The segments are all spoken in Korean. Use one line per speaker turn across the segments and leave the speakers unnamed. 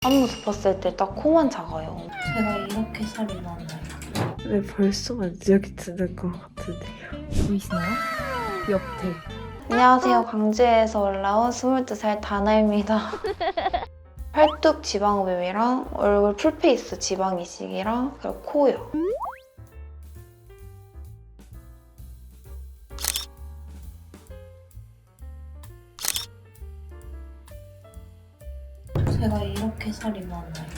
앞모습 봤을 때 딱 코만 작아요.
제가 이렇게 살이 많아요.
왜 벌써 만지작이 드는 것 같은데요?
보이시나요? 옆에.
안녕하세요. 광주에서 올라온 22살 다나입니다. 팔뚝 지방흡입이랑 얼굴 풀페이스 지방 이식이랑 그리고 코요.
제가 이렇게 살이 많아요.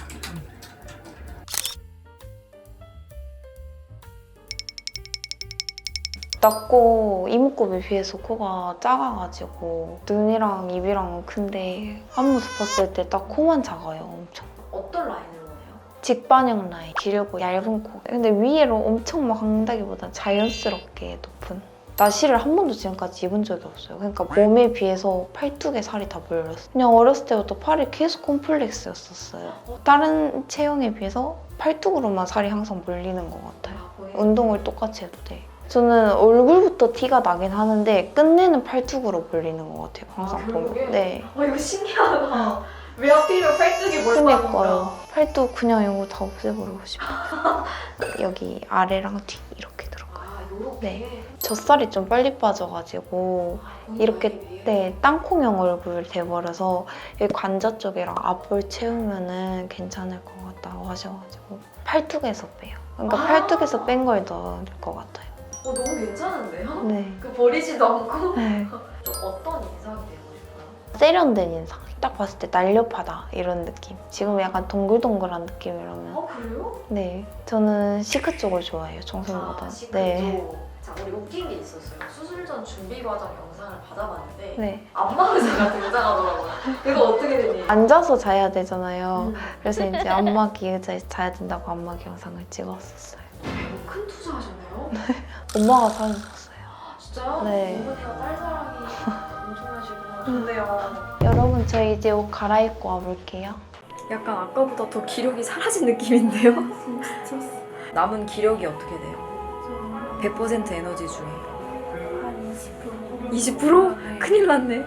낮고 이목구비 비해서 코가 작아가지고 눈이랑 입이랑 큰데 앞모습 봤을 때 딱 코만 작아요. 엄청.
어떤 라인을 원해요?
직반형 라인, 길고 얇은 코. 근데 위에로 엄청 막 한다기보다 자연스럽게 높은. 나시를 한 번도 지금까지 입은 적이 없어요. 그러니까 몸에 비해서 팔뚝에 살이 다 몰렸어요. 그냥 어렸을 때부터 팔이 계속 콤플렉스였었어요. 다른 체형에 비해서 팔뚝으로만 살이 항상 몰리는 것 같아요. 운동을 똑같이 해도 돼. 저는 얼굴부터 티가 나긴 하는데 끝내는 팔뚝으로 몰리는 것 같아요. 항상 보면. 네.
이거 신기하다. 왜 하필이면 팔뚝이 몰빵인가?
그러니까요. 팔뚝 그냥 이거 다 없애버리고 싶어요. 여기 아래랑 뒤 이렇게 들어가요.
요렇게?
네. 젖살이 좀 빨리 빠져가지고 이렇게 땅콩형 얼굴 돼버려서 여기 관자 쪽이랑 앞볼 채우면은 괜찮을 것 같다고 하셔가지고 팔뚝에서 빼요. 그러니까 팔뚝에서 뺀 걸 넣을 것 같아요.
너무 괜찮은데요?
네.
버리지도 않고?
네.
좀 어떤 인상이 되고 싶어요?
세련된 인상. 딱 봤을 때 날렵하다 이런 느낌. 지금 약간 동글동글한 느낌이라면.
그래요?
네. 저는 시크 쪽을 좋아해요. 정성보다.
시크죠.
네.
자, 우리 웃긴 게 있었어요. 수술 전 준비 과정 영상을 받아봤는데
네.
안마 의자가 등장하더라고요. 이거 어떻게 된 일이에요?
앉아서 자야 되잖아요. 그래서 이제 안마기 의자에서 자야 된다고 안마기 영상을 찍었었어요.
큰 투자하셨네요?
엄마가 사주셨어요.
진짜요?
네.
어머니가 딸 사랑이 엄청나시구나. 좋네요.
여러분 저 이제 옷 갈아입고 와볼게요.
약간 아까보다 더 기력이 사라진 느낌인데요? 남은 기력이 어떻게 돼요? 100% 에너지 중에
한 20%?
20%? 큰일 났네.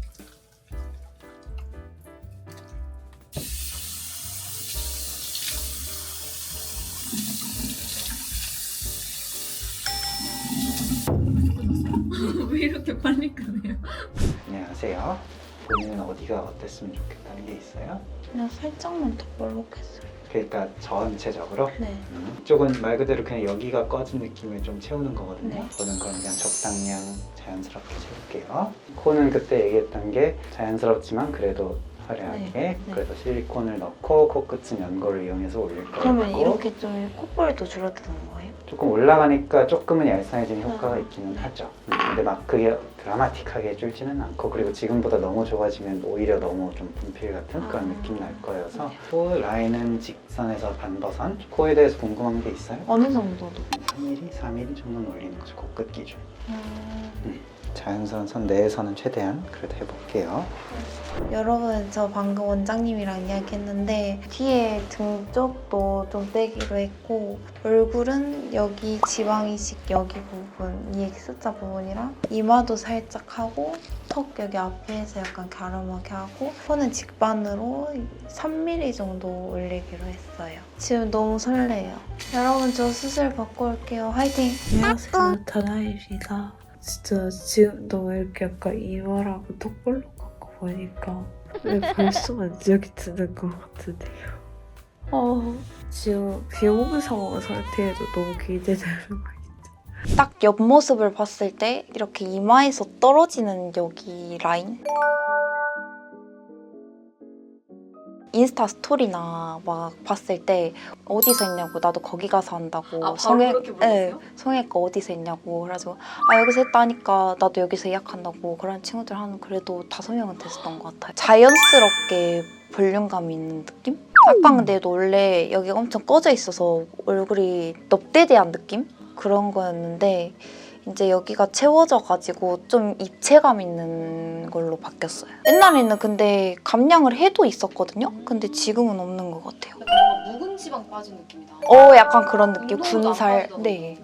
왜 이렇게 빨리 끄네요?
안녕하세요. 본인은 어디가 어땠으면 좋겠다는 게 있어요?
그냥 살짝만 더 볼록했어요.
그러니까 전체적으로
네.
이쪽은 말 그대로 그냥 여기가 꺼진 느낌을 좀 채우는 거거든요.
네.
저는 그럼 그냥 적당량 자연스럽게 채울게요. 코는 그때 얘기했던 게 자연스럽지만 그래도 화려하게
네.
그래서 실리콘을 넣고 코끝은 연고를 이용해서 올릴 거고
그러면 이렇게 좀 콧볼도 줄어드는 거예요?
조금 올라가니까 조금은 얄쌍해지는 효과가
아.
있기는 하죠. 근데 막 그게 드라마틱하게 줄지는 않고 그리고 지금보다 너무 좋아지면 오히려 너무 좀 분필 같은 그런 느낌 날 거여서 코 라인은 직선에서 반버선. 코에 대해서 궁금한 게 있어요?
어느 정도도?
3mm, 4mm 정도는 올리는 거죠. 코끝 기준. 자연스러운 선 내에서는 최대한 그래도 해볼게요.
여러분 저 방금 원장님이랑 이야기했는데 뒤에 등 쪽도 좀 빼기로 했고 얼굴은 여기 지방 이식 여기 부분 이 X자 부분이랑 이마도 살짝 하고 턱 여기 앞에서 약간 갸름하게 하고 코는 직반으로 3mm 정도 올리기로 했어요. 지금 너무 설레요. 여러분 저 수술 받고 올게요. 화이팅!
안녕하세요. 다나입니다. 진짜 지금 너무 이렇게 약간 이마라고 턱볼록한 거 보니까 왜 벌써 만지작이 드는 것 같은데요? 지금 비오는 상황 상태에도 너무 기대되는 거
딱 옆모습을 봤을 때 이렇게 이마에서 떨어지는 여기 라인? 인스타 스토리나 막 봤을 때 어디서 했냐고 나도 거기 가서 한다고
그렇게 보냈어요?
성형외과 어디서 했냐고 그래가지고 여기서 했다니까 나도 여기서 예약한다고 그런 친구들 한 그래도 5명은 됐었던 것 같아요. 자연스럽게 볼륨감 있는 느낌? 쌍방대도 원래 여기가 엄청 꺼져 있어서 얼굴이 넙대대한 느낌? 그런 거였는데 이제 여기가 채워져가지고 좀 입체감 있는 걸로 바뀌었어요. 옛날에는 근데 감량을 해도 있었거든요? 근데 지금은 없는 것 같아요.
약간 묵은 지방 빠진 느낌이다.
약간 그런 느낌.
운동도 안
군살.
빠지더라고요.
네.